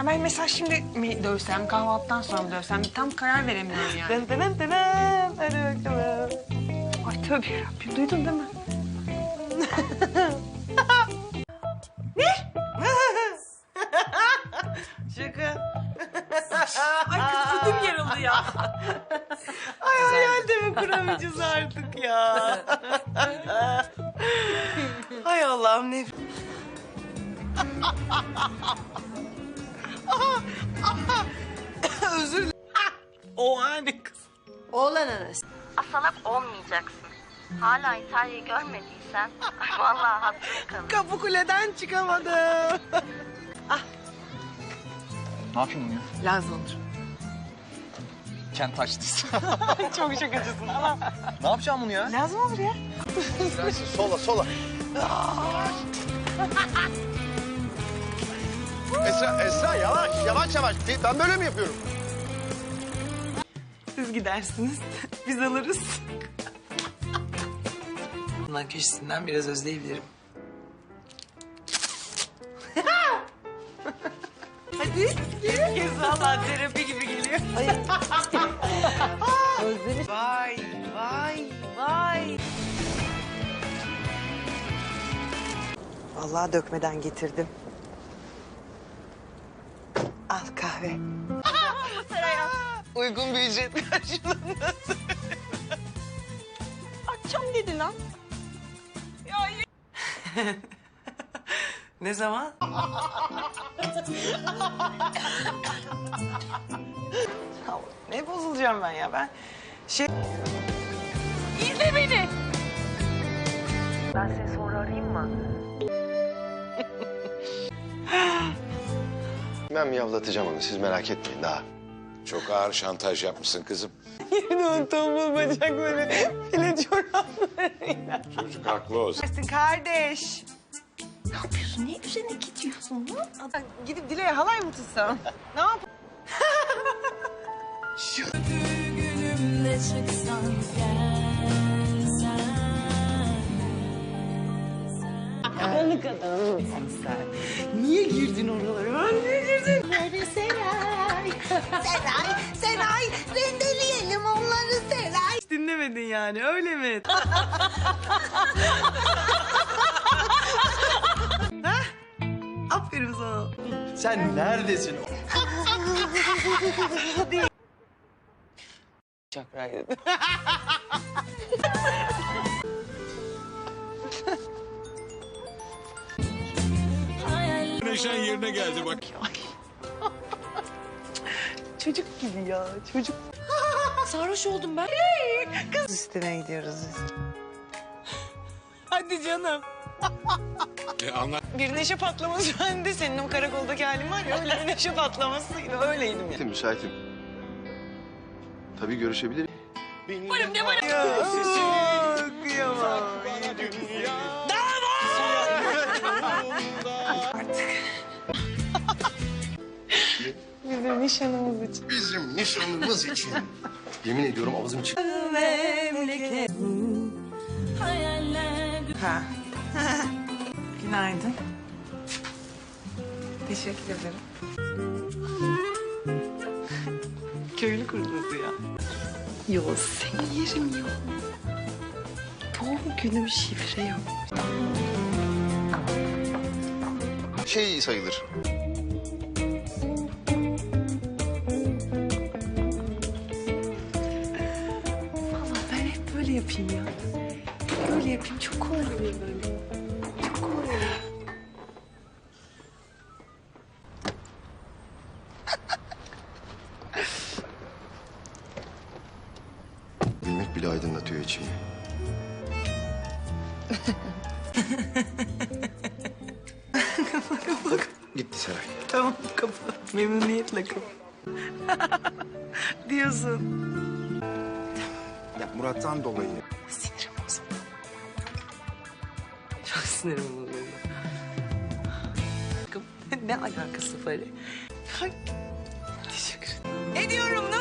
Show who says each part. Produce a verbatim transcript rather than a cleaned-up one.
Speaker 1: Ha ben mesela şimdi mi dövsem, kahvaltıdan sonra mı dövsem tam karar veremiyorum yani.
Speaker 2: Dın dın dın dın. Hadi bakalım.
Speaker 1: Ay tövbe yarabbim, duydun değil mi?
Speaker 2: Şaka.
Speaker 1: Ay kız ödüm yarıldı ya.
Speaker 2: Ay hayalde mi kuramayacağız artık ya? Hay Allah'ım ne... Özür dilerim. O hani kız.
Speaker 3: Oğlan arası.
Speaker 4: Asalak olmayacaksın. Hala İtalya'yı görmediysen ay vallahi hatırı kalır.
Speaker 2: Kapı kuleden çıkamadım.
Speaker 5: Ne yapayım bunu ya?
Speaker 1: Lazım olur.
Speaker 5: Kent açtıysa.
Speaker 1: Çok şakacısın ama.
Speaker 5: Ne yapacağım bunu ya?
Speaker 1: Lazım olur ya.
Speaker 6: Sola sola. Esra, Esra yavaş, yavaş yavaş. Ben böyle mi yapıyorum?
Speaker 1: Siz gidersiniz, biz alırız.
Speaker 2: Bundan köşesinden biraz özleyebilirim. Hadi. Kez valla terapi gibi geliyor. Özlemiş. Vay, vay, vay. Vallahi dökmeden getirdim. Al kahve. Uygun bir ücret karşılığında.
Speaker 1: Akşam dedi lan.
Speaker 2: Ne zaman? Ne bozulacağım ben ya ben şey...
Speaker 1: İzle beni.
Speaker 4: Ben seni sonra arayayım mı?
Speaker 6: Ben miyavlatacağım onu, siz merak etmeyin daha.
Speaker 7: Çok ağır şantaj yapmışsın kızım.
Speaker 2: Yine o tombul bacakları, file çoraplarıyla.
Speaker 7: Çocuk haklı olsun.
Speaker 2: Dersin kardeş.
Speaker 1: Ne yapıyorsun? Niye üzerine gidiyorsun lan?
Speaker 2: Gidip Dile'ye halay mı tutsam? Ne yap? Şu... Karanlık adamsın sen. Niye girdin oralara? Ben niye girdim?
Speaker 3: Seray, Seray, Seray. Rendeleyelim onları Seray.
Speaker 2: Hiç dinlemedin yani öyle mi? Hah? Aferin sana.
Speaker 6: Sen neredesin?
Speaker 2: Çakraydı.
Speaker 7: Neşen yerine geldi bak.
Speaker 2: Çocuk gibi ya çocuk.
Speaker 1: Sarhoş oldum ben.
Speaker 2: Kız üstüne gidiyoruz biz. Hadi canım.
Speaker 7: E, anla.
Speaker 2: Bir neşe patlaması bende. Senin o karakoldaki halin var ya öyle bir neşe patlamasıydı. Öyleydim ya.
Speaker 6: Müsaitim, müsaitim. Tabii görüşebilirim.
Speaker 1: Varım ne varım.
Speaker 2: Ya, kıyamam. Bizim nişanımız için.
Speaker 6: Bizim nişanımız için. Yemin ediyorum ağzım çıktı.
Speaker 2: Memleket. Ha. Günaydın. Teşekkür ederim. Köylü kurdusu ya. Yo seni yerim ya. Doğum günüm şifre yok.
Speaker 6: Şey sayılır.
Speaker 2: Vallahi ben hep böyle yapayım ya. Hep böyle yapayım. Çok kolay oluyor böyle. Çok kolay oluyor.
Speaker 6: Bilmek bile aydınlatıyor içimi. Gitti Seray.
Speaker 2: Tamam kapı. Memnuniyetle kapı. Diyorsun.
Speaker 6: Ya Murat'tan dolayı.
Speaker 2: Sinirim bozuldu. Çok sinirim bozuldu. Ne alakası var? Ay, teşekkür ederim. Ediyorum